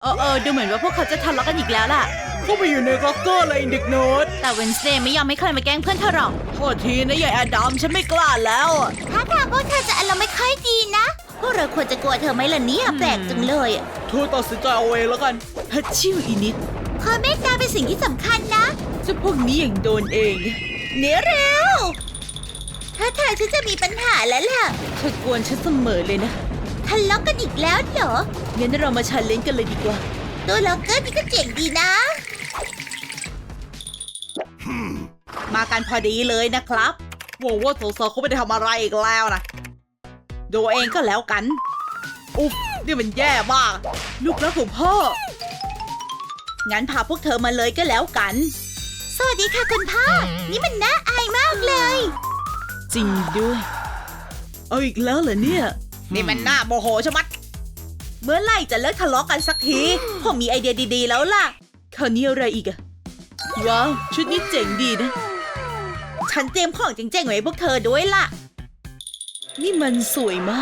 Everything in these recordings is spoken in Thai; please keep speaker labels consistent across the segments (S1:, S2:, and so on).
S1: ดูเหมือนว่าพวกเขาจะทะเลาะกันอีกแล้วล่ะ
S2: เข้าไปอยู่ในล็อกเกอร์เลยเด็กโน้ต
S1: แต่เวนสเดย์ไม่ยอมให้ใครมาแกล้งเพื่อนเธอหรอก
S2: โทษทีนะยายแอดัมฉันไม่กล้าแล้วอะ
S1: ถ้าทางพวกเธอจะอารมณ์ไม่ค่อยดีนะ พวกเราควรจะกลัวเธอไหมล่ะเนี่ยแปลกจังเลย
S2: เธอตัดสินใจเอาเองแล้วกันฮัชชิวอีนิด
S1: ความเมตตาเป็นสิ่งที่สำคัญนะ
S2: เจ้าพวกนี้อย่างโดนเอง
S1: เนื้อเร็ว ถ้าทางฉันจะมีปัญหาแล้วล่ะ
S2: เธอกวนฉันเสมอเลยนะ
S1: ทะเลาะกันอีกแล้วเหรอ
S2: งั้นเรามาชันเลนกันเลยดีกว่า
S1: ตัวล็อกเกอร์นี่ก็เจ๋งดีนะ
S2: มากันพอดีเลยนะครับหวังว่าสาวๆเขาไม่ได้ทำอะไรอีกแล้วนะดูเองก็แล้วกัน อุ๊บนี่มันแย่มาก ลูกรักของพ่อ งั้นพาพวกเธอมาเลยก็แล้วกัน
S1: สวัสดีค่ะคุณพ่อ นี่มันน่าอายมากเลย
S2: จริงด้วย เอาอีกแล้วเหรอเนี่ย นี่มันน่าโมโหชะมัด เมื่อไหร่จะเลิกทะเลาะกันสักทีผมมีไอเดียดีๆแล้วล่ะคราวนี้อะไรอีกอะว้าว ชุดนี้เจ๋งดีนะ ฉันเตรียมของเจ๋งๆไว้ให้พวกเธอด้วยล่ะ นี่มันสวยมาก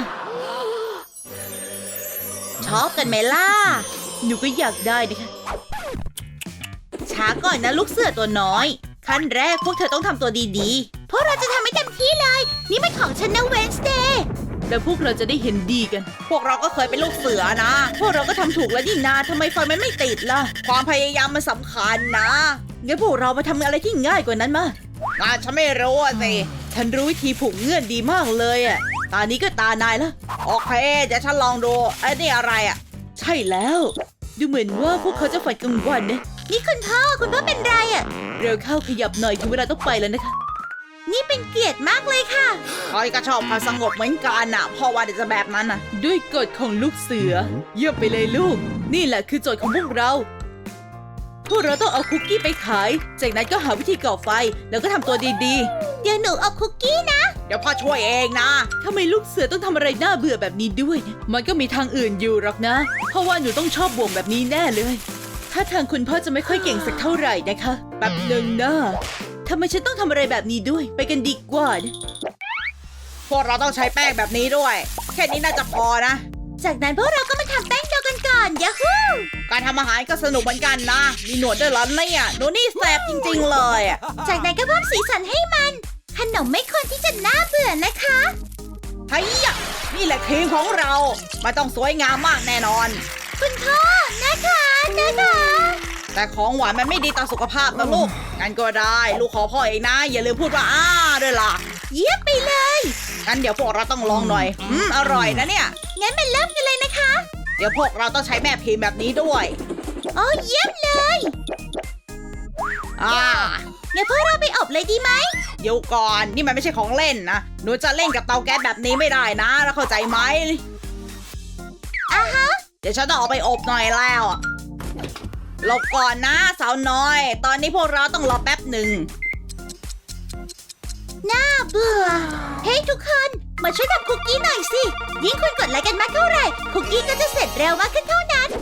S2: ชอบกันไหมล่ะ หนูก็อยากได้ดิค่ะ ช้าก่อนนะลูกเสือตัวน้อย ขั้นแรกพวกเธอต้องทำตัวดีๆ
S1: พวกเราจะทำให้เต็มที่เลย นี่มันของฉันนะเวนสเดย์
S2: แล้วพวกเราจะได้เห็นดีกัน พวกเราก็เคยเป็นลูกเสือนะ พวกเราก็ทำถูกแล้วนี่นาทำไมไฟมันไม่ติดล่ะ ความพยายามมันสำคัญนะ งั้นพวกเรามาทำอะไรที่ง่ายกว่านั้นมาฉันไม่รู้สิ ฉันรู้วิธีผูกเงื่อนดีมากเลยอ่ะ ตานี้ก็ตานายแล้ว โอเคเดี๋ยวฉันลองดูไอ้นี่อะไรอ่ะ ใช่แล้ว ดูเหมือนว่าพวกเขาจะฝันกลางวันนะ
S1: นี่คุณพ่อเป็นไรอ่ะ
S2: เร็วเข้าขยับหน่อยถึงเวลาต้องไปแล้วนะคะ
S1: นี่เป็นเกียรติมากเลยค่ะ
S2: คอยก็ชอบความสงบเหมือนกันน่ะพ่อว่าเดี๋ยวจะแบบนั้นน่ะ ด้วยกฎของลูกเสือ เยี่ยมไปเลยลูก นี่แหละคือโจทย์ของพวกเรา พวกเราต้องเอาคุกกี้ไปขาย จากนั้นก็หาวิธีก่อไฟ แล้วก็ทำตัวดี
S1: เดี๋ยวหนูเอาคุกกี้นะ
S2: ๆ เดี๋ยวพ่อช่วยเองนะทำไมลูกเสือต้องทำอะไรน่าเบื่อแบบนี้ด้วย มันก็มีทางอื่นอยู่หรอกนะ เพราะว่าหนูต้องชอบบ่วงแบบนี้แน่เลย ถ้าทางคุณพ่อจะไม่ค่อยเก่งสักเท่าไหร่นะคะแบบหนึ่งนะทำไมฉันต้องทำอะไรแบบนี้ด้วย ไปกันดีกว่านะพวกเราต้องใช้แป้งแบบนี้ด้วย แค่นี้น่าจะพอนะ
S1: จากนั้นพวกเราก็มาทำแป้งโดกันก่อนยาฮู
S2: การทำอาหารก็สนุกเหมือนกันนะ มีหนวดด้วยเหรอเนี่ยหนูนี่แสบจริงๆเลยอะ
S1: จากนั้นก็เพิ่มสีสันให้มัน ขนมไม่ควรที่จะน่าเบื่อนะคะ
S2: เฮ้ยอะนี่แหละทีมของเรามันต้องสวยงามมากแน่นอน
S1: คุณพ่อนะคะ
S2: แต่ของหวานมันไม่ดีต่อสุขภาพนะลูก งั้นก็ได้ ลูกขอพ่อเองนะ อย่าลืมพูดว่าด้วยล่ะ
S1: เยี่ยมไปเลย
S2: งั้นเดี๋ยวพวกเราต้องลองหน่อย อร่อยนะเนี่ย
S1: งั้นมันเริ่มกันเลยนะคะ
S2: เดี๋ยวพวกเราต้องใช้แม่พิมพ์แบบนี้ด้วย
S1: โอ้เยี่ยมเลย งั้นพวกเราไปอบเลยดีไหม
S2: เดี๋ยวก่อน นี่มันไม่ใช่ของเล่นนะ หนูจะเล่นกับเตาแก๊สแบบนี้ไม่ได้นะ แล้วเข้าใจไหม เดี๋ยวฉันต้องเอาไปอบหน่อยแล้วหลบก่อนนะสาวน้อย ตอนนี้พวกเราต้องรอแป๊บหนึ่ง
S1: น่าเบื่อ เฮ้ยทุกคน มาช่วยทำคุกกี้หน่อยสิ ยิ่งคุณกดไลค์กันมากเท่าไหร่ คุกกี้ก็จะเสร็จเร็วมากขึ้นเท่านั้น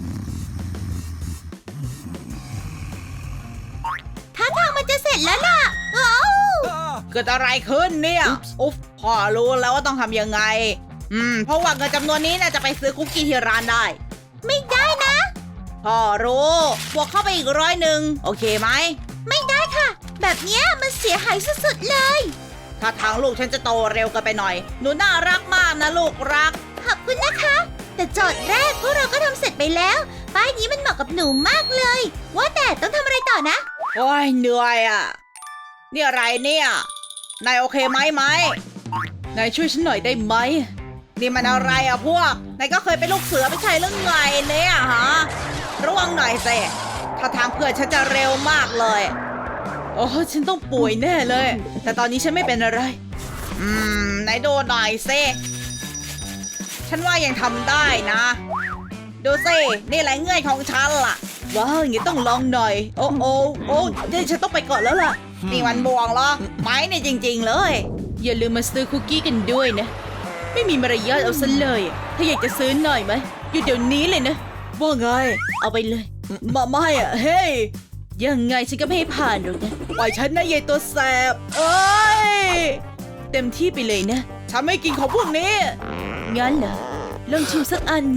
S1: ถ้าทางมันจะเสร็จแล้วล่ะว้าว
S2: เกิดอะไรขึ้นเนี่ย อุ๊บพ่อรู้แล้วว่าต้องทำยังไง เพราะว่าเงินจำนวนนี้น่าจะไปซื้อคุกกี้ที่ร้านได้
S1: ไม่ได้นะ
S2: พ่อรู้บวกเข้าไปอีก100โอเคไหม
S1: ไม่ได้ค่ะ แบบเนี้ยมันเสียหายสุดๆเลย
S2: ถ้าทางลูกฉันจะโตเร็วเกินไปหน่อย หนูน่ารักมากนะลูกรัก
S1: ขอบคุณนะคะ แต่โจทย์แรกพวกเราก็ทำเสร็จไปแล้ว ป้ายนี้มันเหมาะกับหนูมากเลย ว่าแต่ต้องทำอะไรต่อนะ
S2: โอ้ยเหนื่อยอ่ะ นี่อะไรเนี่ย นายโอเคไหมนายช่วยฉันหน่อยได้ไหม นี่มันอะไรอ่ะพวก นายก็เคยเป็นลูกเสือไม่ใช่เรื่องไงเนี่ยฮะ ระวังหน่อยสิถ้าทางเพื่อนฉันจะเร็วมากเลยโอ้ฉันต้องป่วยแน่เลย แต่ตอนนี้ฉันไม่เป็นอะไร ไหนดูหน่อยสิฉันว่ายังทำได้นะ ดูสินี่แหละเงื่อนของฉันล่ะ ว้าวอย่างนี้ต้องลองหน่อย โอ้เดี๋ยวฉันต้องไปก่อนแล้วล่ะ นี่มันบวงเหรอ ไม้เนี่ยจริงๆเลย อย่าลืมมาซื้อคุกกี้กันด้วยนะ ไม่มีมารยาทเอาซะเลยถ้าอยากจะซื้อหน่อยไหมอยู่เดี๋ยวนี้เลยนะว่าไง เอาไปเลยไม่อะเฮ้ยยังไงฉันก็ไม่ให้ผ่านหรอกนะปล่อยฉันนะยายตัวแสบเอ้ยเต็มที่ไปเลยนะฉันไม่กินของพวกนี้งั้นเหรอลองชิมสักอันสิ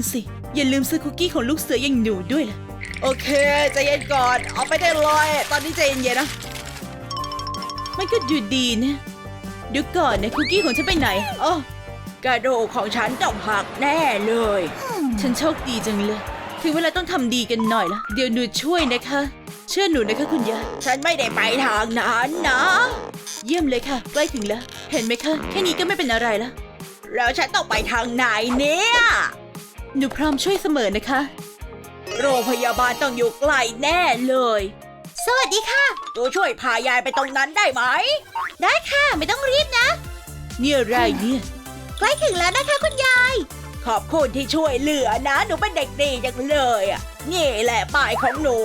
S2: อย่าลืมซื้อคุกกี้ของลูกเสืออย่างหนูด้วยล่ะโอเคใจเย็นก่อนเอาไปได้เลยตอนนี้ใจเย็นๆนะมันก็ดูดีนะเดี๋ยวก่อนนะคุกกี้ของฉันไปไหนอ๋อกระดูกของฉันต้องหักแน่เลยฉันโชคดีจังเลยถึงเวลาต้องทำดีกันหน่อยละเดี๋ยวหนูช่วยนะคะเชื่อหนูนะคะคุณยายฉันไม่ได้ไปทางนั้นนะเยี่ยมเลยค่ะใกล้ถึงแล้วเห็นไหมคะแค่นี้ก็ไม่เป็นอะไรแล้วแล้วฉันต้องไปทางไหนเนี่ยหนูพร้อมช่วยเสมอนะคะโรงพยาบาลต้องอยู่ใกล้แน่เลย
S1: สวัสดีค่ะ
S2: ตัวช่วยพายายไปตรงนั้นได้ไหม
S1: ได้ค่ะไม่ต้องรีบนะ
S2: เนี่ยอะไรเนี่ย
S1: ใกล้ถึงแล้วนะคะคุณยาย
S2: ขอบคุณที่ช่วยเหลือนะหนูเป็นเด็กดีจังเลยอ่ะนี่แหละป้ายของหนู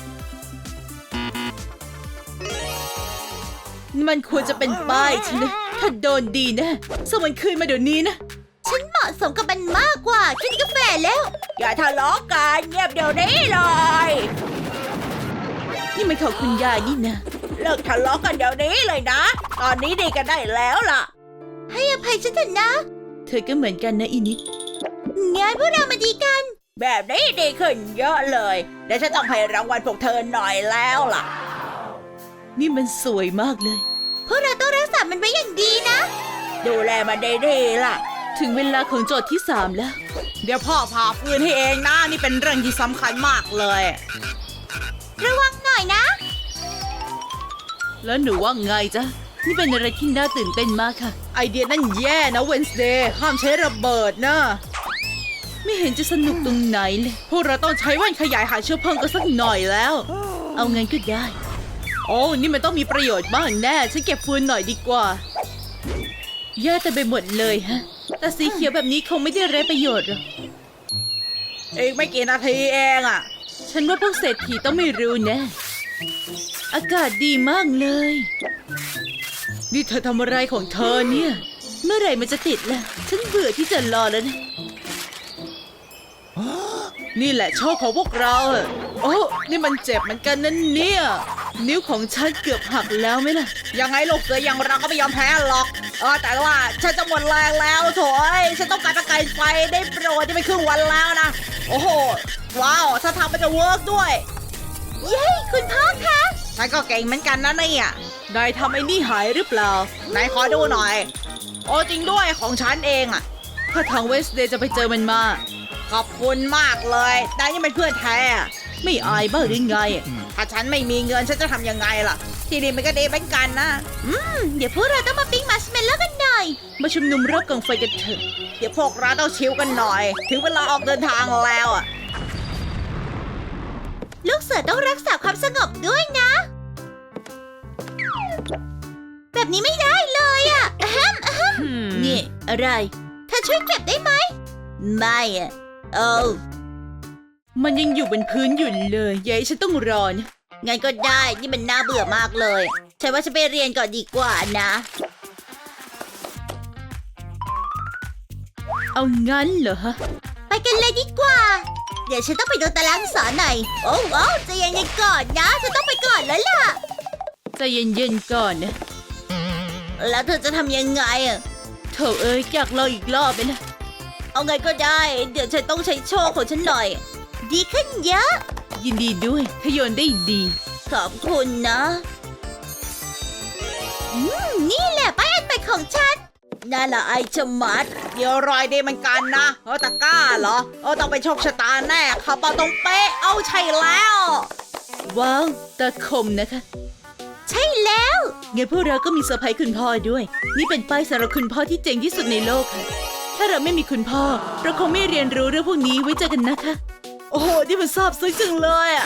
S2: มันควรจะเป็นป้ายฉันนะถ้าโดนดีนะส่งมันคืนมาเดี๋ยวนี้นะ
S1: ฉันเหมาะสมกับมันมากกว่าแค่นี้ก็แฝงแล้ว
S2: อย่าทะเลาะกันเงียบเดี๋ยวนี้เลย นี่มันของคุณยายนี่นะเลิกทะเลาะกันเดี๋ยวนี้เลยนะตอนนี้ดีกันได้แล้วล่ะ
S1: ให้อภัยฉันเถอะนะ
S2: เธอก็เหมือนกันนะอีนิด
S1: งั้นพวกเรามาดีกัน
S2: แบบนี้ดีขึ้นเยอะเลยเดี๋ยวฉันต้องให้รางวัลพวกเธอหน่อยแล้วล่ะนี่มันสวยมากเลย
S1: พวกเราต้องรักษามันไว้อย่างดีนะ
S2: ดูแลมันดีๆล่ะถึงเวลาของโจทย์ที่3แล้วเดี๋ยวพ่อพาปืนให้เองนะนี่เป็นเรื่องที่สำคัญมากเลย
S1: ระวังหน่อยนะ
S2: แล้วหนูว่าไงจ๊ะนี่เป็นอะไรที่น่าตื่นเต้นมากค่ะไอเดียนั่นแย่นะเวนส์เดย์ห้ามใช้ระเบิดนะไม่เห็นจะสนุกตรงไหนเลยพวกเราต้องใช้แว่นขยายหาเชื้อเพลิงกันสักหน่อยแล้วเอางั้นก็ได้โอ้นี่มันต้องมีประโยชน์มากแน่ฉันเก็บฟืนหน่อยดีกว่าแย่แต่ไปหมดเลยฮะแต่สีเขียวแบบนี้คงไม่ได้ไร้ประโยชน์หรอกอีกไม่กี่นาทีเองอ่ะฉันว่าพวกเศรษฐีต้องไม่รู้แน่อากาศดีมากเลยนี่เธอทำอะไรของเธอเนี่ยเมื่อไหร่มันจะติดล่ะฉันเบื่อที่จะรอแล้วนะนี่แหละโชคของพวกเราโอ้นี่มันเจ็บเหมือนกันนั่นเนี่ยนิ้วของฉันเกือบหักแล้วไหมล่ะยังไงลูกเสืออย่างเราก็ไม่ยอมแพ้หรอกแต่ว่าฉันจะหมดแรงแล้วโถ่ฉันต้องการประกายไฟได้โปรดจะไม่ครึ่งวันแล้วนะโอ้โหว้าวถ้าทำมันจะเวิร์กด้วย
S1: เย้คุณพ่อคะ
S2: ฉันก็เก่งเหมือนกันนะเนี่ยนายทำไอ้นี่หายหรือเปล่านายขอดูหน่อยโอ้จริงด้วยของฉันเองอะถ้าทางเวสเดย์จะไปเจอมันมาขอบคุณมากเลยนายยังเป็นเพื่อนแท้ไม่อายบ้างหรือไงถ้าฉันไม่มีเงินฉันจะทำยังไงล่ะที่นี่มันก็ดีเหมือนกันนะ
S1: เดี๋ยวพวกเราต้องมาปิ้งมัชเมลโล่กันหน่อย
S2: มาชุมนุมรอบกองไฟกันเถอะเดี๋ยวพวกเราต้องชิลกันหน่อยถึงเวลาออกเดินทางแล้วอะ
S1: ลูกเสือต้องรักษาความสงบด้วยนะแบบนี้ไม่ได้เลยอ่ะนี่อะไรเธอช่วยเก็บได้ไหมไม่อ่ะ
S2: มันยังอยู่บนพื้นอยู่เลยยายฉันต้องรอนะ
S1: งั้นก็ได้นี่มันน่าเบื่อมากเลยฉันว่าฉันไปเรียนก่อนดีกว่านะ
S2: เอางั้นเหรอฮะ
S1: ไปกันเลยดีกว่าเดี๋ยวฉันต้องไปดูตารางสอนหน่อยโอ้ใจเย็นๆก่อนนะฉันต้องไปก่อนแล้วล่ะ
S2: ใจเย็นๆก่อนนะ
S1: แล้วเธอจะทำยังไงอ่ะ
S2: เธออยากลองอีกรอบไหมนะ
S1: เอาไงก็ได้เดี๋ยวฉันต้องใช้โชว์ของฉันหน่อยดีขึ้นเยอะ
S2: ยินดีด้วยเธอโยนได้ดี
S1: ขอบคุณนะนี่แหละป้ายอันใหม่ของฉันนั่นแหละไอชมัด
S2: เดี๋ยวรอยดีมันกันนะตะกร้าเหรอต้องไปโชคชะตาแน่ขับมาตรงเป๊ะเอาใช่แล้วว้าวตะคมนะคะ
S1: ใช่แล้ว
S2: งั้นพวกเราก็มีเซอร์ไพรส์คุณพ่อด้วยนี่เป็นป้ายสำหรับคุณพ่อที่เจ๋งที่สุดในโลกค่ะถ้าเราไม่มีคุณพ่อเราคงไม่เรียนรู้เรื่องพวกนี้ไว้เจอกันนะคะโอ้โหนี่มันซาบซึ้งจังเลยอ่ะ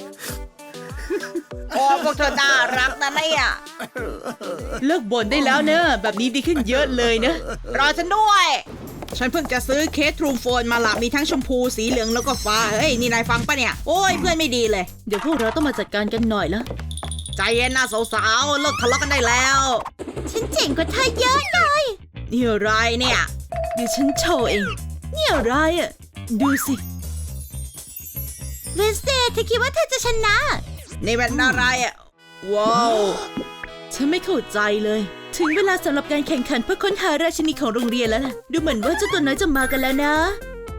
S2: โอ้พวกเธอน่ารักนะเนี่ยเลิกบ่นได้แล้วเนอะแบบนี้ดีขึ้นเยอะเลยนะรอฉันด้วยฉันเพิ่งจะซื้อเคสทรูโฟนมาละมีทั้งชมพูสีเหลืองแล้วก็ฟ้าเฮ้ยนี่นายฟังปะเนี่ยโอ้ยเพื่อนไม่ดีเลยเดี๋ยวพวกเราต้องมาจัดการกันหน่อยแล้วใจเย็นนะสาวๆเลิกทะเลาะกันได้แล้ว
S1: ฉันเจ๋งกว่าเธอเยอะเลย
S2: นี่อะไรเนี่ยเดี๋ยวฉันโชว์เองนี่อะไรอ่ะดูสิ
S1: เวนสเดย์เธอคิดว่าเธอจะชนะ
S2: นี่เป็นอะไรอ่ะว้าวฉันไม่เข้าใจเลยถึงเวลาสำหรับการแข่งขันเพื่อค้นหาราชินีของโรงเรียนแล้วล่ะดูเหมือนว่าเจ้าตัวน้อยจะมากันแล้วนะ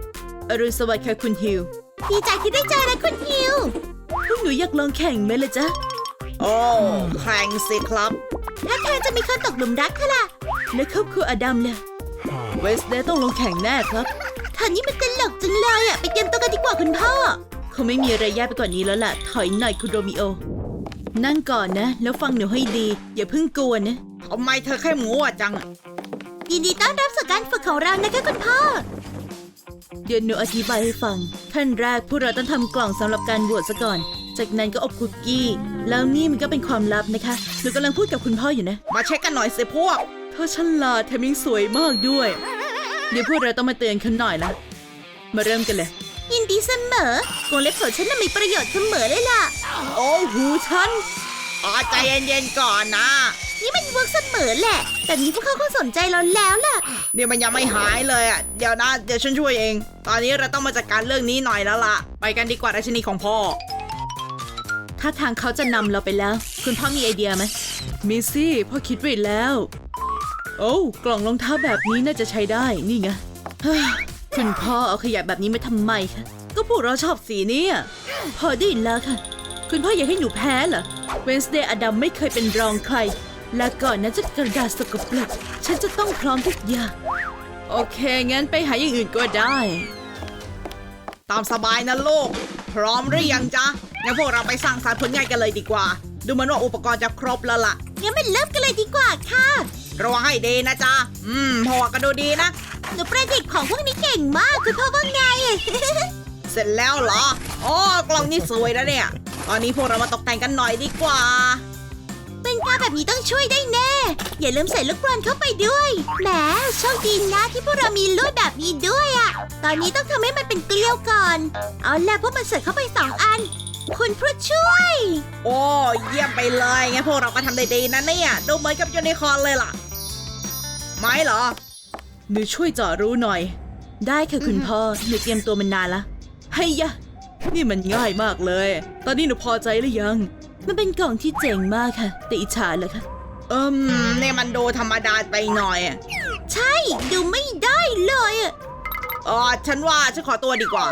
S3: อรุณสวัสดิ์ค่ะคุณฮิว
S1: ดีใจที่ได้เจอนะคุณฮิว
S3: พวกหนูอยากลองแข่งไหมล่ะจ๊ะ
S2: โอ้แข่งสิครับ
S1: ถ้าเธอจะมีคนตกหลุมรักเธอล่ะ
S3: และครอบครัวอดัมเนี่ยเวสเดย์ต้องลงแข่งแน่ครับ
S1: เธอนี่มันตลกจังเลยอะไปเตรียมตัวกันดีกว่าคุณพ่อ
S3: คงไม่มีอะไรแย่ไปกว่านี้แล้วล่ะ ถอยหน่อยคุณโรมิโอ นั่งก่อนนะ แล้วฟังหนูให้ดี อย่าเพิ่งกลัวนะ
S2: ทำไมเธอแค่หมูอ่ะจัง
S1: ยินดีต้อนรับสู่การฝึกของเรานะคะคุณพ่อ
S3: เดี๋ยวหนูอธิบายให้ฟัง ขั้นแรกพวกเราต้องทำกล่องสำหรับการบวชซะก่อน จากนั้นก็อบคุกกี้ แล้วนี่มันก็เป็นความลับนะคะหนูกำลังพูดกับคุณพ่ออยู่นะ
S2: มาเช็คกันหน่อยสิพวก
S3: เธอฉลาดแถมยังสวยมากด้วย เดี๋ยวพวกเราต้องมาเตือนเขาหน่อยละ มาเริ่มกันเลย
S1: ยินดีเสมอวงเล็บของฉันน่ะมีประโยชน์เสมอเลยล่ะ
S3: โอ้หูฉัน
S2: ใจเย็นๆก่อนนะ
S1: นี่มันเวิร์กเสมอแหละ แต่นี้พวกเขาคงสนใจเราแล้วล่ะ
S2: เนี่ยมันยังไม่หายเลยอ่ะ เดี๋ยวนะ เดี๋ยวฉันช่วยเอง ตอนนี้เราต้องมาจัดการเรื่องนี้หน่อยแล้วล่ะ ไปกันดีกว่าราชินีของพ่อ
S3: ถ้าทางเขาจะนำเราไปแล้ว คุณพ่อมีไอเดียไหมมีสิพ่อคิดไว้แล้ว โอ้กล่องรองเท้าแบบนี้น่าจะใช้ได้ นี่ไงเฮ้ยคุณพ่อเอาขยะแบบนี้มาทำไมคะก็พวกเราชอบสีนี้อะพอได้แล้วค่ะ คุณพ่ออยากให้หนูแพ้เหรอเวนส์เดย์อดัมไม่เคยเป็นรองใคร และก่อนนั้นจะกระดาษสกปรกฉันจะต้องพร้อมทุกอย่างโอเค งั้นไปหาอย่างอื่นก็ได้
S2: ตามสบายนะลูก พร้อมหรือยังจ๊ะ งั้นพวกเราไปสร้างสรรค์ผลงานกันเลยดีกว่า ดูเหมือนว่าอุปกรณ์จะครบแล้วล่ะ
S1: งั้นมันเริ่มกันเลยดีกว่าค่ะ
S2: ระวังให้ดีนะจ๊ะ พ่อก็ดูดีนะ
S1: หนูประดิษฐ์ของพวกนี้เก่งมากคุณพ่อว่าไง
S2: เสร็จแล้วเหรออ๋อกล่องนี้สวยนะเนี่ย ตอนนี้พวกเรามาตกแต่งกันหน่อยดีกว่า
S1: เป็นการแบบนี้ต้องช่วยได้แน่ อย่าลืมใส่ลูกบอลเข้าไปด้วย แหมโชคดีนะที่พวกเรามีลวดแบบนี้ด้วยอะตอนนี้ต้องทำให้มันเป็นเกลียวก่อน เอาล่ะพวกมันใส่เข้าไป2 อัน คุณผู้ช่วย
S2: โอ้เยี่ยมไปเลยงั้นพวกเราก็ทำได้ดีนะเนี่ย ดูเหมือนกับยูนิคอร์นเลยล่ะ ไม้เหรอ
S3: หนูช่วยเจาะรู้หน่อย ได้ค่ะคุณพ่อ หนูเตรียมตัวมันนานละให้ยะ นี่มันง่ายมากเลย ตอนนี้หนูพอใจหรือยัง มันเป็นกล่องที่เจ๋งมากค่ะ แต่อิจฉาเหรอคะ
S2: เนี่ยมันดูธรรมดาไปหน่อย
S1: ใช่ดูไม่ได้เลยอะ
S2: ฉันว่าฉันขอตัวดีกว่า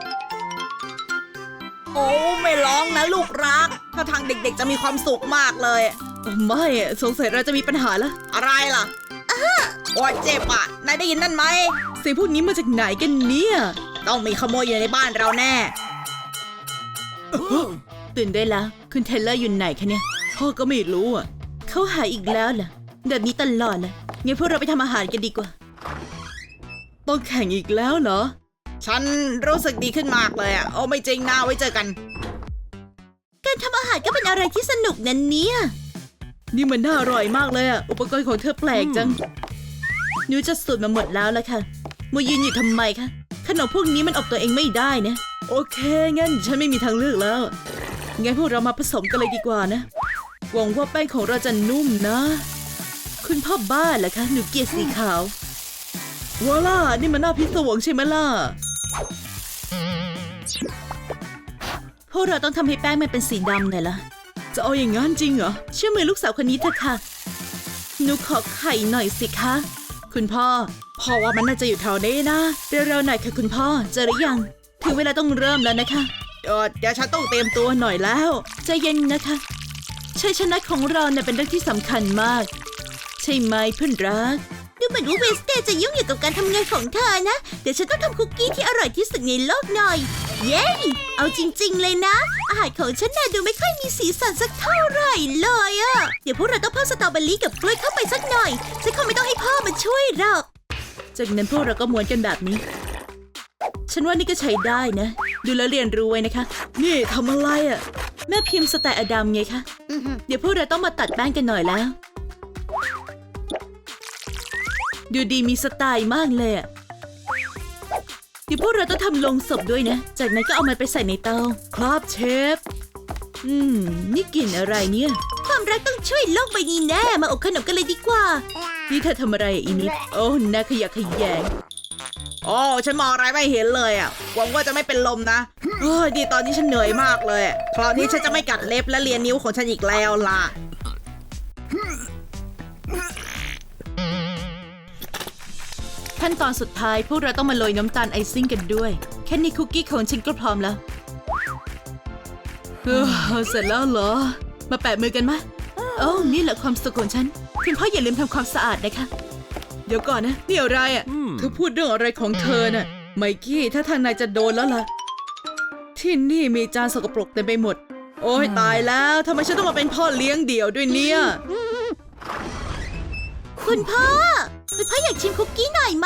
S2: โอ้ไม่ร้องนะลูกรัก ถ้าทางเด็กๆจะมีความสุขมากเลย
S3: โอ้ไม่อะสงสัยเราจะมีปัญหาละ
S2: อะไรล่ะโอ้ยเจ็บอ่ะ นายได้ยินนั่นไหม
S3: เสียงพวกนี้มาจากไหนกันเนี่ย
S2: ต้องมีขโมยอยู่ในบ้านเราแน่
S3: ตื่นได้แล้ว คุณเทเลอร์อยู่ไหนคะเนี่ย พ่อก็ไม่รู้อ่ะ เขาหายอีกแล้วเหรอแบบนี้ตลอดเลยงั้นพวกเราไปทำอาหารกันดีกว่า ต้องแข่งอีกแล้วเหรอ
S2: ฉันรู้สึกดีขึ้นมากเลยอ่ะ โอ้ไม่จริงนะไว้เจอกัน
S1: การทำอาหารก็เป็นอะไรที่สนุกนั่นเนี่ย
S3: นี่มันน่าอร่อยมากเลยอ่ะ อุปกรณ์ของเธอแปลกจังหนูจะสูตรมาหมดแล้วละค่ะมายืนอยู่ทำไมคะขนมพวกนี้มันอบตัวเองไม่ได้นะโอเค งั้นฉันไม่มีทางเลือกแล้ว งั้นพวกเรามาผสมกันเลยดีกว่านะ หวังว่าแป้งของเราจะนุ่มนะ คุณพ่อบ้าเหรอคะ หนูเกลียดสีขาวว้าล่ะนี่มันหน้าพิศวงใช่ไหมล่ะ พวกเราต้องทำให้แป้งมันเป็นสีดำหน่อยละจะเอาอย่างงั้นจริงเหรอ เชื่อมือลูกสาวคนนี้เถอะค่ะ หนูขอไข่หน่อยสิคะ คุณพ่อว่ามันน่าจะอยู่แถวนี้นะ เร็วๆหน่อยค่ะคุณพ่อ เจอหรือยัง ถึงเวลาต้องเริ่มแล้วนะคะ
S2: เดี๋ยวฉันต้องเตรียมตัว
S3: ตัวหน่อยแล้ว ใจเย็นนะคะชัยชนะของเราเนี่ยเป็นเรื่องที่สำคัญมาก ใช่ไหมเพื่อนรัก
S1: ดูเหมือนว่าเวสเตย์จะยุ่งอยู่กับการทำงานของเธอนะ เดี๋ยวฉันต้องทำคุกกี้ที่อร่อยที่สุดในโลกหน่อย เย้ เอาจริงๆเลยนะ อาหารของฉันน่ะดูไม่ค่อยมีสีสันสักเท่าไหร่เลยอะเดี๋ยวพวกเราต้องเพิ่มสตรอเบอรี่กับกล้วยเข้าไปสักหน่อย ฉันคงไม่ต้องให้พ่อมาช่วยหรอก
S3: จากนั้นพวกเราก็ม้วนกันแบบนี้ ฉันว่านี่ก็ใช้ได้นะ ดูแลวเรียนรู้ไว้นะคะ นี่ทำอะไรอะ่ะ แม่พิมพ์สไตล์อดัมไงคะ เดี๋ยวพวกเราต้องมาตัดแป้งกันหน่อยแล้ว ดูดีมีสไตล์มากเลยอะเดี๋ยวพวกเราต้องทำลงศพด้วยนะ จากนั้นก็เอามันไปใส่ในเตาครับเชฟ นี่กลิ่นอะไรเนี่ย
S1: ความรักต้องช่วยโลกใบนี้แน่ มาอบขนมกันเลยดีกว่า
S3: นี่เธอทำอะไรอะอีนิด โอ้น่าขยะแขยง
S2: โอ้ฉันมองอะไรไม่เห็นเลยอ่ะ หวังว่าจะไม่เป็นลมนะดีตอนนี้ฉันเหนื่อยมากเลยคราวนี้ฉันจะไม่กัดเล็บและเลียนิ้วของฉันอีกแล้วล่ะ
S3: ขั้นตอนสุดท้ายพวกเราต้องมาโรยน้ำตาลไอซิ่งกันด้วยค่นี้คุกกี้ของฉันก็พร้อมแล้วเสร็จแล้วเหรอ มาแปะมือกันไหมโอ้นี่แหละความสุขของฉันคุณพ่ออย่าลืมทำความสะอาดนะคะเดี๋ยวก่อนนะนี่อะไรอ่ะเธอพูดเรื่องอะไรของเธอน่ะไมกี้ถ้าทางนายจะโดนแล้วล่ะที่นี่มีจานสกปรกเต็มไปหมดโอ้ยตายแล้วทำไมฉันต้องมาเป็นพ่อเลี้ยงเดี่ยวด้วยเนี่ย
S1: คุณพ่ออยากชิมคุกกี้หน่อยไหม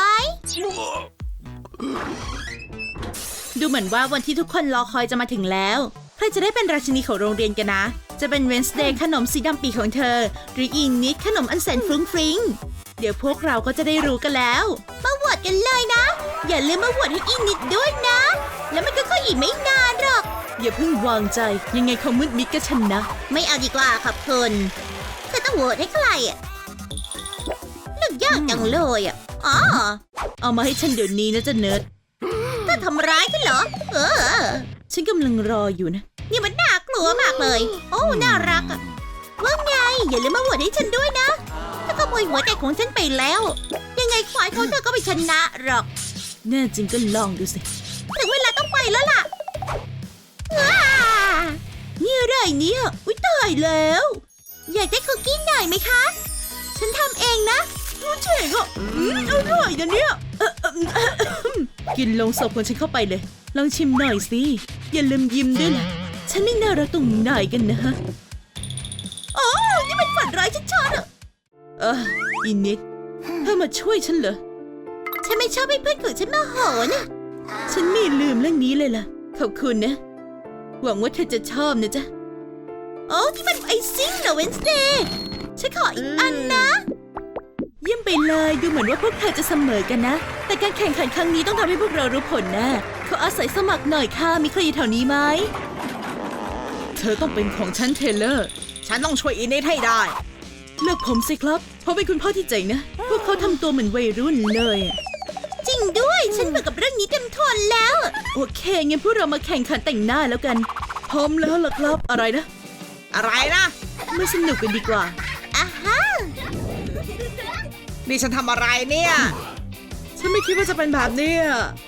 S3: ดูเหมือนว่าวันที่ทุกคนรอคอยจะมาถึงแล้วใครจะได้เป็นราชินีของโรงเรียนกันนะจะเป็นเวนสเดย์ขนมสีดำปีของเธอหรืออีนิดขนมอันแสนฟรุ้งฟริ้งเดี๋ยวพวกเราก็จะได้รู้กันแล้ว
S1: มาโหวตกันเลยนะอย่าลืมมาโหวตให้อีนิดด้วยนะแล้วมันก็ค่อยอีกไม่นานหรอก
S3: อย่าเพิ่งวางใจยังไงเขามืดมิดก็ชนะ
S1: ไม่เอาดีกว่าครับคุณเธอต้องโหวตให้ใครอ่ะเลือกยากจังเลยอ่ะอ๋อ
S3: เอามาให้ฉันเดี๋ยวนี้นะจ๊ะเนิร์ด
S1: ถ้าทำร้ายฉันเหรอ
S3: ฉันกำลังรออยู่นะ
S1: นี่มันน่ากลัวมากเลยโอ้น่ารักอ่ะว่าไงอย่าลืมมาโหวตให้ฉันด้วยนะถ้าขโมยหัวใจของฉันไปแล้วยังไงควายของเธอก็ไม่ชนะหรอก
S3: แน่จริงก็ลองดูสิ
S1: ถึงเวลาต้องไปแล้วล่ะนี่อะไรเนี่ยอุ๊ยตายแล้วอยากได้คุกกี้หน่อยไหมคะฉันทำเองนะรู้เจ๋งอ่ะอร่อยนะเนี่ย
S3: กินลงศพของฉันเข้าไปเลยลองชิมหน่อยสิอย่าลืมยิ้มด้วยนะฉันนี่น่ารักตรงไหนกันนะฮะ
S1: อ๋อนี่มันฝันร้ายชัดๆอ่ะ
S3: อินิดเธอมาช่วยฉันเหรอ
S1: ฉันไม่ชอบให้เพื่อนของฉันมาโหนะ
S3: ฉันไม่ลืมเรื่องนี้เลยล่ะขอบคุณนะหวังว่าเธอจะชอบนะจ๊ะ
S1: โอ้ที่มันไอซิ่งเหรอเวนสเดย์ฉันขออีกอันนะ
S3: เยี่ยมไปเลยดูเหมือนว่าพวกเธอจะเสมอกันนะแต่การแข่งขันครั้งนี้ต้องทำให้พวกเรารู้ผลนะขออาศัยสมัครหน่อยค่ะมีใครอยู่แถวนี้ไหมเธอต้องเป็นของฉันเทเลอร์
S2: ฉันต้องช่วยอินนิดให้ได้
S3: เลือกผมสิครับเพราะเป็นคุณพ่อที่เจ๋งนะพวกเขาทำตัวเหมือนวัยรุ่นเลย
S1: จริงด้วยฉันเบื่อกับเรื่องนี้เต็มทนแล้ว
S3: โอเคงั้นพวกเรามาแข่งขันแต่งหน้าแล้วกันพร้อมแล้วล่ะครับอะไรนะมาสนุกกันดีกว่า
S1: อ่ะฮะ
S2: นี่ฉันทำอะไรเนี่ย
S3: ฉันไม่คิดว่าจะเป็นแบบนี้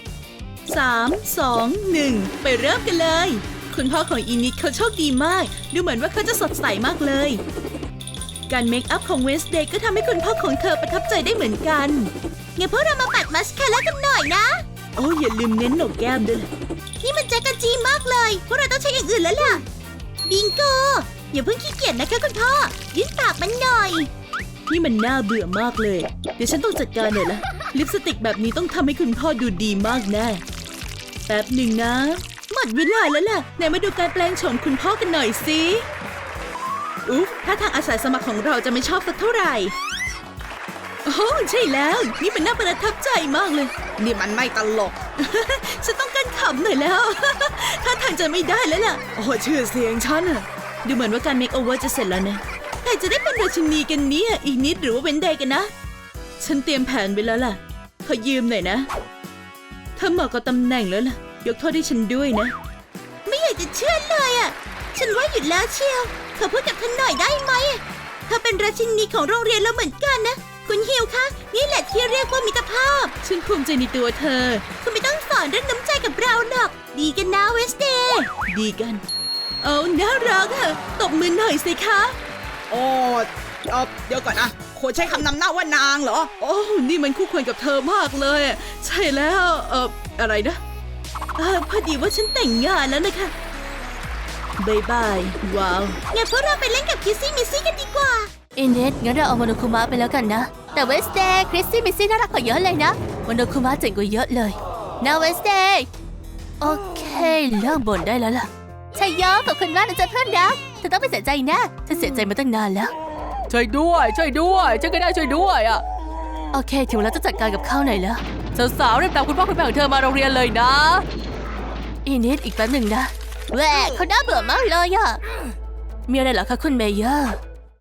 S3: 3 2 1ไปเริ่มกันเลยคุณพ่อของอินิดเขาโชคดีมากดูเหมือนว่าเขาจะสดใสมากเลยการเมคอัพของเวนสเดย์ก็ทำให้คุณพ่อของเธอประทับใจได้เหมือนกัน
S1: งั้นพวกเรามาปัดมัสคาร่ากันหน่อยนะ
S3: โอ้อย่าลืมเน้นโหนกแก้มด้วย
S1: นี่มันแจ๊กกะจีมากเลยพวกเราต้องใช้อย่างอื่นแล้วล่ะบิงโกอย่าเพิ่งขี้เกียจนะคะคุณพ่อยื่นปากมันหน่อย
S3: นี่มันน่าเบื่อมากเลยเดี๋ยวฉันต้องจัดการหน่อยละลิปสติกแบบนี้ต้องทำให้คุณพ่อดูดีมากแน่แป๊บหนึ่งนะหมดเวลาแล้วล่ะไหนมาดูการแปลงโฉมคุณพ่อกันหน่อยสิอุ๊บถ้าทางอาสาสมัครของเราจะไม่ชอบสักเท่าไหร่โอ้ใช่แล้วนี่มันน่าประทับใจมากเลย
S2: นี่มันไม่ตลก
S3: ฉันต้องการขำหน่อยแล้วถ้าทางจะไม่ได้แล้วล่ะโอ้ชื่อเสียงฉันอะดูเหมือนว่าการเมคโอเวอร์จะเสร็จแล้วนะใครจะได้เป็นราชินีกันเนี่ยอีกนิดหรือว่าเวนเดย์กันนะฉันเตรียมแผนไปแล้วล่ะขอยืมหน่อยนะเธอเหมาะกับตำแหน่งแล้วล่ะยกโทษให้ฉันด้วยนะ
S1: ไม่อยากจะเชื่อเลยอ่ะฉันว่าหยุดแล้วเชียวขอพูดกับเธอหน่อยได้ไหมเธอเป็นราชินีของโรงเรียนเราเหมือนกันนะคุณฮิวคะนี่แหละที่เรียกว่ามิตรภาพ
S3: ฉันภูมิใจในตัวเธอ
S1: คุณไม่ต้องสอนเรื่องน้ำใจกับเราหรอกดีกันนะเวสเดย์
S3: ดีกันโอ้น่ารักอะตบมือหน่อยสิคะ
S2: โอ้เดี๋ยวก่อนนะควรใช้คำนำหน้าว่านางเหรอ
S3: โอ้นี่มันคู่ควรกับเธอมากเลยใช่แล้วอะไรนะพอดีว่าฉันแต่งงานแล้วนะคะบายบายว้าว
S1: งั้นพวกเราไปเล่นกับคิสซี่มิสซี่กันดีกว่า
S4: อินเนสงั้นเราเอาโมโนคุมะไปแล้วกันนะแต่เวสเดย์คริสซี่มิสซี่น่ารักกว่าเยอะเลยนะโมโนคุมะเจ๋งกว่าเยอะเลยนะเวสเดย์โอเคเลิกบ่นได้แล้วล่ะชัยโยขอบคุณมากนะจ๊ะเพื่อนรักเธอต้องไม่เสียใจนะฉันเสียใจมาตั้งนานแล้ว
S5: ช่วยด้วยฉันก็ได้ช่วยด้วยอ่ะ
S4: โอเคถึงเวลาจะจัดการกับเขาหน่อยแล้ว
S5: สาวๆเรียกตามคุณพ่อคุณแม่ของเธอมาโรงเรียนเลยนะ
S4: อินเนสอีกแป๊บหนึ่งนะแหวะเขาน่าเบื่อมากเลยอ่ะมีอะไรเหรอคะคุณเมเยอร์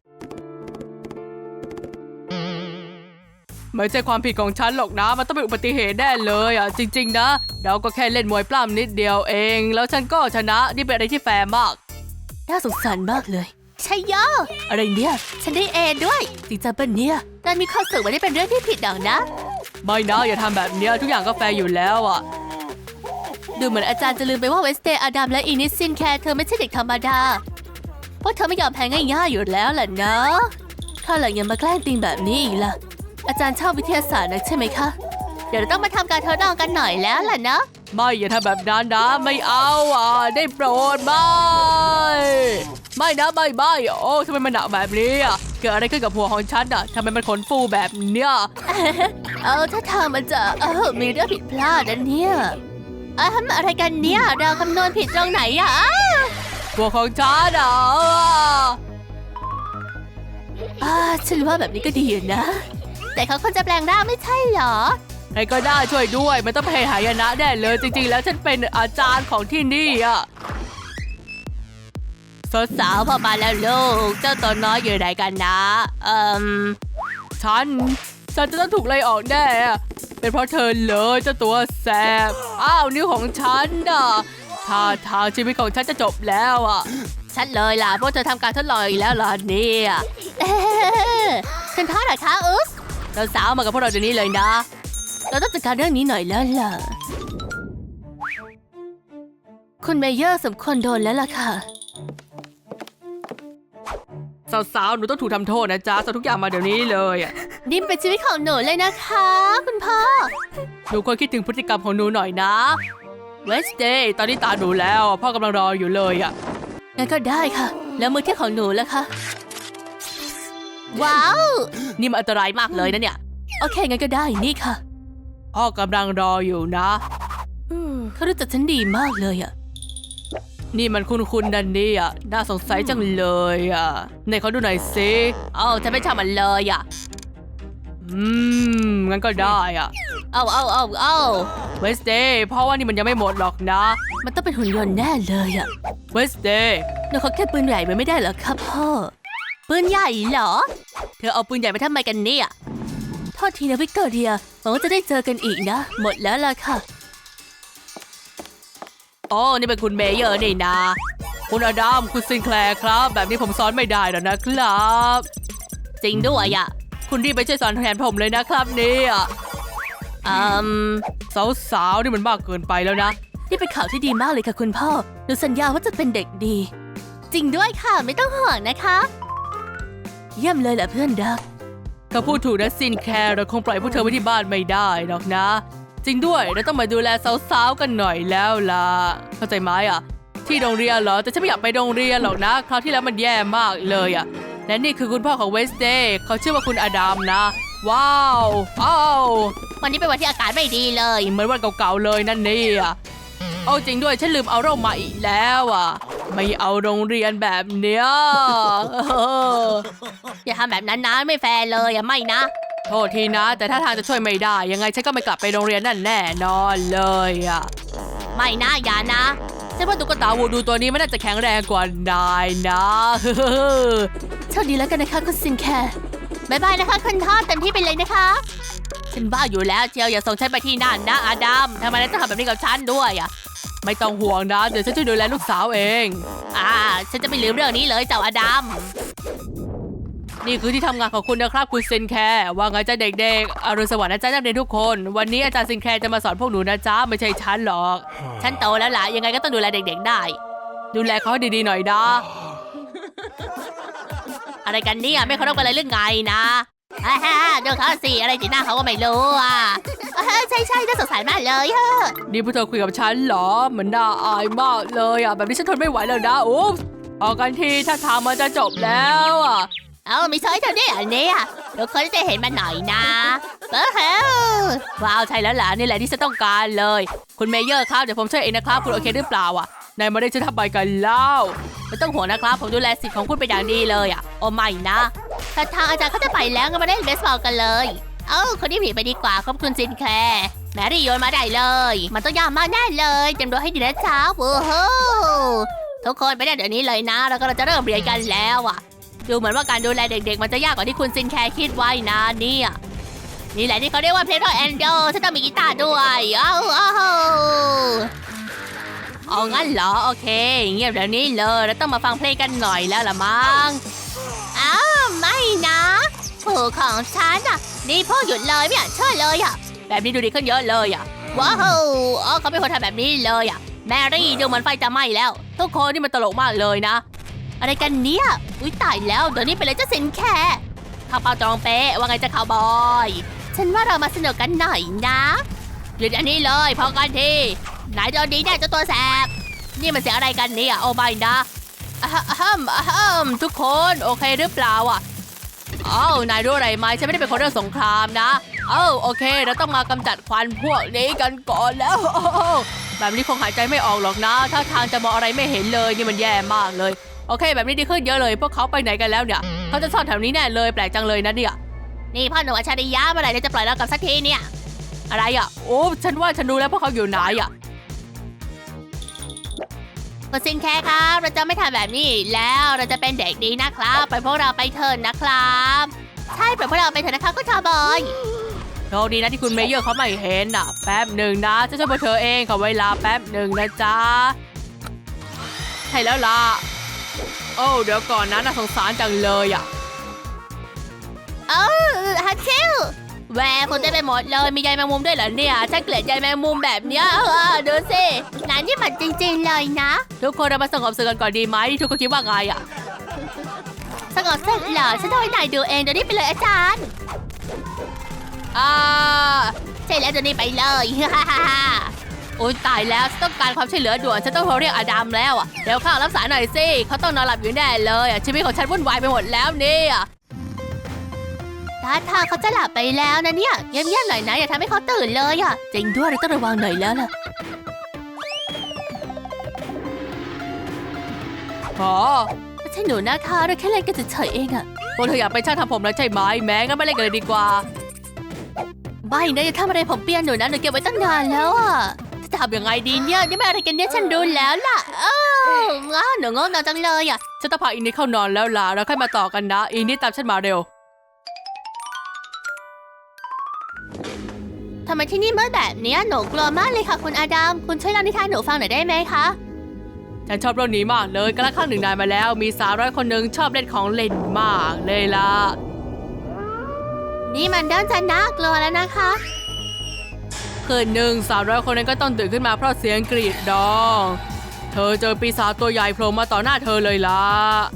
S5: ไม่ใช่ความผิดของฉันหรอกนะมันต้องเป็นอุบัติเหตุแน่เลยอ่ะจริงๆนะเราก็แค่เล่นมวยปล้ำนิดเดียวเองแล้วฉันก็ชนะนี่เป็นอะไรที่แฟร์มาก
S4: น่าสงสารมากเลยชัยโยอะไรเนี่ยฉันได้เอด้วยจริงจังปะเนี่ยการมีความสุขไม่ได้เป็นเรื่องที่ผิดหรอกนะ
S5: ไม่นะอย่าทำแบบนี้ทุกอย่างก็แฟร์อยู่แล้วอ่ะ
S4: ดูเหมือนอาจารย์จะลืมไปว่าเวสเดย์อดัมและอีนิสซินแคร์เธอไม่ใช่เด็กธรรมดาเพราะเธอไม่ยอมแพ้ง่ายๆอยู่แล้วล่ะนะถ้าหลังยังมาแกล้งติงแบบนี้อีกล่ะอาจารย์ชอบวิทยาศาสตร์นะใช่ไหมคะเดี๋ยวเราต้องมาทำการทดลองกันหน่อยแล้วล่ะนะ
S5: ไม่อย่าทำแบบนั้นนะไม่เอาได้โปรดไม่นะไม่โอ้ทำไมมันหนักแบบนี้อ่ะเกิดอะไรขึ้นกับหัวของฉันอ่ะทำไมมันขนฟูแบบเนี้ย
S4: ถ้าทางมันจะมีเรื่องผิดพลาดนะเนี่ยอะไรกันเนี่ยเราคำนวณผิดตรงไหนอ่ะ
S5: หัวของฉันอ่ะ
S4: ฉันว่าแบบนี้ก็ดีอยู่นะ แต่เขาควรจะแปลงร่างไม่ใช่เหรอ
S5: ใครก็ได้ช่วยด้วยมันต้องเป็นหายนะแน่เลยจริงๆแล้วฉันเป็นอาจารย์ของที่นี่อ่ะ
S4: สาวพอมาแล้วลูกเจ้าตัวน้อยอยู่ไหนกันนะ
S5: ฉันจะต้องถูกไล่ออกแน่เป็นเพราะเธอเลยเจ้าตัวแสบนิ้วของฉันน่ะท่าทางชีวิตของฉันจะจบแล้วอ่ะ
S4: ฉันเลยล่ะพวกเธอทำการทดลองอีกแล้วเหรอเนี่ยฉันท้าหน่อยคะ
S5: สาวมากับพวกเราเดี๋ยวนี้เลยนะ
S4: เราต้องจัดการเรื่องนี้หน่อยแล้วล่ะคุณเมเยอร์สมควรโดนแล้วล่ะค่ะ
S5: สาวหนูต้องถูกทำโทษนะจ๊ะสาวทุกอย่างมาเดี๋ยวนี้เลยอ่ะ
S4: นี่เป็นชีวิตของหนูเลยนะคะคุณพ่อ
S5: หนูควรคิดถึงพฤติกรรมของหนูหน่อยนะเวสเดย์ตอนนี้ตาหนูแล้วพ่อกำลังรออยู่เลยอ่ะ
S4: งั้นก็ได้ค่ะแล้วมือเที่ยของหนูล่ะคะว้าว
S5: นี่มันอันตรายมากเลยนะเนี่ย
S4: โอเคงั้นก็ได้นี่ค่ะ
S5: พ่อกำลังรออยู่นะ
S4: เขารู้จักฉันดีมากเลยอ่ะ
S5: นี่มันคุณดันนี่อ่ะน่าสงสัยจังเลยอ่ะไหนเขาดูหน่อยสิ
S4: ฉันไม่ชอบมันเลยอ่ะ
S5: งั้นก็ได้อ่ะเวสเดย์เพราะว่านี่มันยังไม่หมดหรอกนะ
S4: มันต้องเป็นหุ่นยนต์แน่เลยอ่ะ
S5: เวสเดย์
S4: หนูขอแค่ปืนใหญ่ไม่ได้เหรอครับพ่อปืนใหญ่เหรอเธอเอาปืนใหญ่ไปทำไมกันเนี่ยโทษทีนะวิกตอเรียหวังว่าจะได้เจอกันอีกนะหมดแล้วล่ะค่ะ
S5: นี่เป็นคุณเมเยอร์นี่นะคุณอดัมคุณซินแคลร์ครับแบบนี้ผมสอนไม่ได้หรอกนะครับ
S4: จริงด้วยอ่ะ
S5: คุณรีบไปช่วยสอนแทนผมเลยนะครับเนี่ยสาวนี่มันมากเกินไปแล้วนะ
S4: นี่เป็นข่าวที่ดีมากเลยค่ะคุณพ่อหนูสัญญาว่าจะเป็นเด็กดีจริงด้วยค่ะไม่ต้องห่วงนะคะเยี่ยมเลยแหละเพื่อนรัก
S5: เขาพูดถูกนะซินแคร์เราคงปล่อยพวกเธอไว้ที่บ้านไม่ได้หรอกนะจริงด้วยเราต้องมาดูแลสาวๆกันหน่อยแล้วล่ะเข้าใจไหมที่โรงเรียนเหรอแต่ฉันไม่อยากไปโรงเรียนหรอกนะคราวที่แล้วมันแย่มากเลยและนี่คือคุณพ่อของเวสเดย์เขาชื่อว่าคุณอดัมนะว้าว
S4: วันนี้เป็นวันที่อากาศไม่ดีเลย
S5: เหมือนวันเก่าๆเลยนั่นนี่จริงด้วยฉันลืมเอาร่มมาอีกแล้วไม่เอาโรงเรียนแบบเนี้ย
S4: อย่าทำแบบนั้นนะไม่แฟร์เลยไม่นะ
S5: โทษทีนะแต่ถ้าทางจะช่วยไม่ได้ยังไงฉันก็ไม่กลับไปโรงเรียนนั่นแน่นอนเลย
S4: ไม่นะอย่านะ
S5: ฉันว่าตุ๊กตาวูดูตัวนี้มันน่าจะแข็งแรงกว่านายนะ
S4: โชคดีแล้วกันนะคะคุณซินแคร์บ๊ายบายนะคะคุณพ่อเต็มที่ไปเลยนะคะฉันบ้าอยู่แล้วเชียวอย่าส่งฉันไปที่นั่นนะอดัมทำไมต้องทำแบบนี้กับฉันด้วย
S5: ไม่ต้องห่วงนะเดี๋ยวฉันจะดูแลลูกสาวเอง
S4: ฉันจะไม่ลืมเรื่องนี้เลยเจ้าอดัม
S5: นี่คือที่ทำงานของคุณนะครับคุณซินแคร์ว่าไงจ๊ะเด็กๆอรุณสวัสดิ์นะจ๊ะนักเรียนทุกคนวันนี้อาจารย์ซินแคร์จะมาสอนพวกหนูนะจ๊ะไม่ใช่ฉันหรอก
S4: ฉันโตแล้วล่ะยังไงก็ต้องดูแลเด็กๆได้
S5: ดูแลเขาให้ดีๆหน่อยนะ
S4: อะไรกันเนี่ยไม่เคารพกันเลยเรื่องไงนะดูเขาสิอะไรจีน่าเขาก็ไม่รู้ใช่น่าสงสารมากเลย
S5: นี่พวกเธอคุยกับฉันเหรอเหมือนน่าอายมากเลยแบบนี้ฉันทนไม่ไหวแล้วนะอุ๊บออกกันทีถ้าทางมันจะจบแล้ว
S4: ไม่ใช่เธอเนี่ยอันนี้ทุกคนจะเห็นมันหน่อยนะ
S5: ว้าวใช่แล้วล่ะนี่แหละที่ฉันต้องการเลยคุณเมเยอร์ครับเดี๋ยวผมช่วยเองนะครับคุณโอเคหรือเปล่านายมาได้ฉันทำไปกันแล้ว
S4: ไม่ต้องห่วงนะครับผมดูแลสิทธิ์ของคุณเป็นอย่างดีเลยโอ้ไม่นะถ้าทางอาจารย์เขาจะไปแล้วก็มาเล่นเบสบอลกันเลยคนที่ผีไปดีกว่าขอบคุณซินแคร์แมรี่โยนมาได้เลยมันต้องยากมากแน่เลยเตรียมตัวให้ดีนะเช้าทุกคนไปได้เดี๋ยวนี้เลยนะแล้วก็เราจะเริ่มเรียนกันแล้วดูเหมือนว่าการดูแลเด็กๆมันจะยากกว่าที่คุณซินแคร์คิดไว้นะนี่แหละที่เขาเรียกว่าเพลย์โรแอนโดฉันต้องมีกีตาร์ด้วยงั้นเหรอโอเคเงียบเดี๋ยวนี้เลยเราต้องมาฟังเพลงกันหน่อยแล้วล่ะมั้งไม่นะผู้ของฉันนี่พ่อหยุดเลยไม่อยากเชื่อเลยแบบนี้ดูดีขึ้นเยอะเลยว้าวอ๋อเขาเป็นคนทำแบบนี้เลยอ่ะแมรี่ดูเหมือนไฟจะไหม้แล้วทุกคนนี่มันตลกมากเลยนะอะไรกันเนี่ยอุ้ยตายแล้วเดี๋ยวนี้เป็นเลยเจ้าสินแค่ข้าวเปล่าจองเป๊ะว่าไงจะข่าวบอยฉันว่าเรามาสนุกกันหน่อยนะหยุดอันนี้เลยพอกันทีไหนโดนดีแน่เจ้าตัวแสบนี่มันเสียงอะไรกันเนี่ยโอ้ไม่นะทุกคนโอเคหรือเปล่าอ่ะอ้าวนายรู้อะไรไหมฉันไม่ได้เป็นคนเรื่องสงครามนะโอเคเราต้องมากำจัดควันพวกนี้กันก่อนแล้วแบบนี้คงหายใจไม่ออกหรอกนะถ้าทางจะมองอะไรไม่เห็นเลยนี่มันแย่มากเลยโอเคแบบนี้ดีขึ้นเยอะเลยพวกเขาไปไหนกันแล้วเนี่ยเขาจะซ่อนแถวนี้แน่เลยแปลกจังเลยนะเนี่ยนี่พ่อหนุ่มอัจฉริยะเมื่อไหร่จะปล่อยเรากลับสักทีเนี่ยอะไรอ่ะโอ้ฉันว่าฉันรู้แล้วพวกเขาอยู่ไหนอ่ะคุณซินแค่ครับเราจะไม่ทำแบบนี้อีกแล้วเราจะเป็นเด็กดีนะครับไปพวกเราไปเถิดนะครับใช่ไปพวกเราไปเถิดนะครับคุณคาร์บอยโชคดีนะที่คุณเมเยอร์เขาไม่เห็นอ่ะแป๊บหนึ่งนะจะช่วยพวกเธอเองขอเวลาแป๊บหนึ่งนะจ๊ะใช่แล้วล่ะโอ้เดี๋ยวก่อนนะน่าสงสารจังเลยอ่ะฮัทชิลแหวกคนเต็มไปหมดเลยมีใยแมงมุมด้วยเหรอเนี่ยฉันเกลียดใยแมงมุมแบบเนี้ยดูสินายนี่มันจริงๆเลยนะทุกคนเรามาสงบศึกกันก่อนดีไหมทุกคนคิดว่าไงอ่ะสงบศึกเหรอฉันต้องให้นายดูเองเดี๋ยวนี้ไปเลยอาจารย์ใช่แล้วเดี๋ยวนี้ไปเลยโอ๊ยตายแล้วฉันต้องการความช่วยเหลือด่วนฉันต้องโทรเรียกอดัมแล้วอ่ะเดี๋ยวข้าวรับสายหน่อยสิเขาต้องนอนหลับอยู่แน่เลยอ่ะชีวิตของฉันวุ่นวายไปหมดแล้วเนี่ยท่าทางเขาจะหลับไปแล้วนะเนี่ยเงียบๆหน่อยนะอย่าทำให้เขาตื่นเลยอ่ะจริงด้วยเราต้องระวังหน่อยแล้วล่ะไม่ใช่หนูนะคะเราแค่เล่นกันเฉยๆเองอ่ะพวกเธออยากเป็นช่างทำผมแล้วใช่ไหมแม้งั้นไม่เล่นกันเลยดีกว่าไม่นะอย่าทำอะไรผมเปียนหนูนะหนูเก็บไว้ตั้งนานแล้วอ่ะจะทำยังไงดีเนี่ยนี่มันอะไรกันเนี่ยฉันดูแล้วล่ะหนูงงนอนจังเลยอ่ะฉันต้องพาอินนี่เข้านอนแล้วล่ะแล้วค่อยมาต่อกันนะอินนี่ตามฉันมาเร็วทำไมที่นี่มืดแบบนี้หนูกลัวมากเลยค่ะคุณอาดัมคุณช่วยเล่านิทานหนูฟังหน่อยได้ไหมคะฉันชอบเรื่องนี้มากเลยกระทั่งหนึ่งนายมาแล้วมีสาวน้อยคนหนึ่งชอบเล่นของเล่นมากเลยล่ะนี่มันเริ่มจะน่ากลัวแล้วนะคะคืนหนึ่งสาวน้อยคนนั้นก็ต้องตื่นขึ้นมาเพราะเสียงกรีดร้องเธอเจอปีศาจตัวใหญ่โผล่มาต่อหน้าเธอเลยล่ะ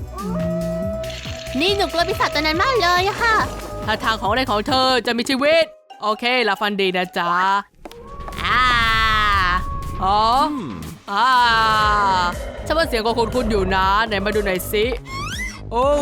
S4: นี่หนูกลัวปีศาจตัวนั้นมากเลยอะค่ะถ้าทางของเล่นของเธอจะมีชีวิตโอเคหลับฝันดีนะจ๊ะฉันว่าเสียงของคุณอยู่นะไหนมาดูหน่อยสิโอ้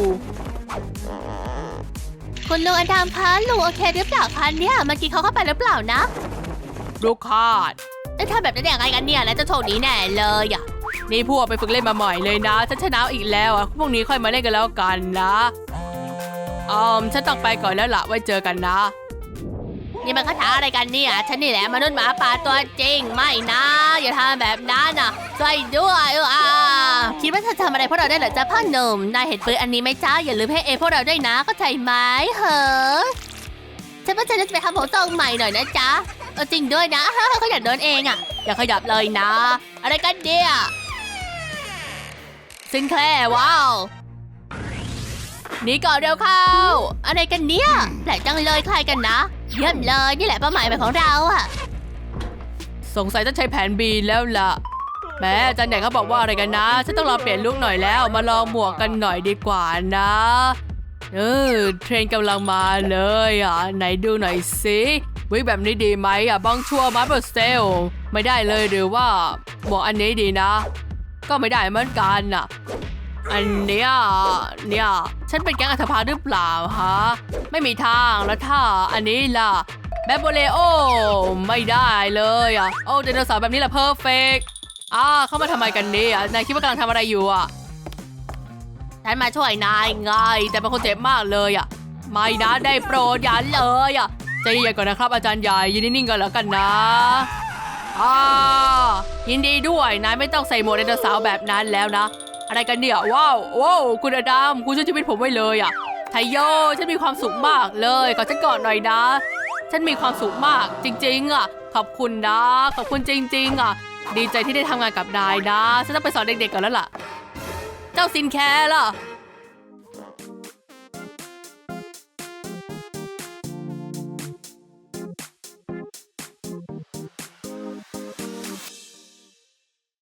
S4: คุณลุงอดัมคะลุงโอเคหรือเปล่าคะเนี่ยเมื่อกี้เขาเข้าไปหรือเปล่านะลูกคาดจะทำแบบนั้นยังไงกันเนี่ยแล้วจะโชคดีแน่เลยอ่ะนี่พวกไปฝึกเล่นมาใหม่เลยนะฉันชนะอีกแล้วอ่ะพวกนี้ค่อยมาเล่นกันแล้วกันนะฉันต้องไปก่อนแล้วล่ะไว้เจอกันนะนี่มันคาถาอะไรกันเนี่ยฉันนี่แหละมนุษย์หมาป่าตัวจริงไม่นะอย่าทำแบบนั้นนะช่วยด้วยคิดว่าเธอทำอะไรพวกเราได้เหรอจ๊ะพ่อหนุ่มนายเห็นปืนอันนี้ไหมจ้าอย่าลืมให้พวกเราด้วยนะเข้าใจไหมฉันว่าฉันจะไปทำผมทรงใหม่หน่อยนะจ๊ะจริงด้วยนะเขาอยากเดินเองอ่ะอย่าขยับเลยนะอะไรกันเนี่ยซินแคลร์ว้าวนี่ก่อนเร็วเข้าอะไรกันเนี่ยแปลกจังเลยใครกันนะเยี่ยมเลยนี่แหละเป้าหมายของเราอ่ะสงสัยต้องใช้แผน B แล้วล่ะแม่อาจารย์ใหญ่เขาบอกว่าอะไรกันนะฉันต้องลองเปลี่ยนลุคหน่อยแล้วมาลองหมวกกันหน่อยดีกว่านะเทรนกำลังมาเลยไหนดูหน่อยสิวิแบบนี้ดีไหมบังชัวมาเบอร์เซลไม่ได้เลยหรือว่าหมวกอันนี้ดีนะก็ไม่ได้เหมือนกันอันเนี้ยฉันเป็นแก๊งอัฐพาลหรือเปล่าฮะไม่มีทางแล้วถ้าอันนี้ล่ะแบบโบเลโอไม่ได้เลยโอ้ไดโนเสาร์แบบนี้แหละเพอร์เฟกต์เข้ามาทำไมกันเนี่ยนายคิดว่ากำลังทำอะไรอยู่ฉันมาช่วยนายไงแต่เป็นคนเจ็บมากเลยไม่นะได้โปรดอย่าเลยใจเย็นก่อนนะครับอาจารย์ใหญ่ยืนนิ่งๆกันแล้วกันนะยินดีด้วยนายไม่ต้องใส่หมวกไดโนเสาร์แบบนั้นแล้วนะอะไรกันเนี่ยว้าวคุณอดัมคุณช่วยชีวิตผมไว้เลยไทโยฉันมีความสุขมากเลยขอฉันกอดหน่อยนะฉันมีความสุขมากจริงๆขอบคุณนะขอบคุณจริงๆดีใจที่ได้ทำงานกับนายนะฉันต้องไปสอนเด็กๆก่อนแล้วล่ะเจ้าซินแคร์ล่ะ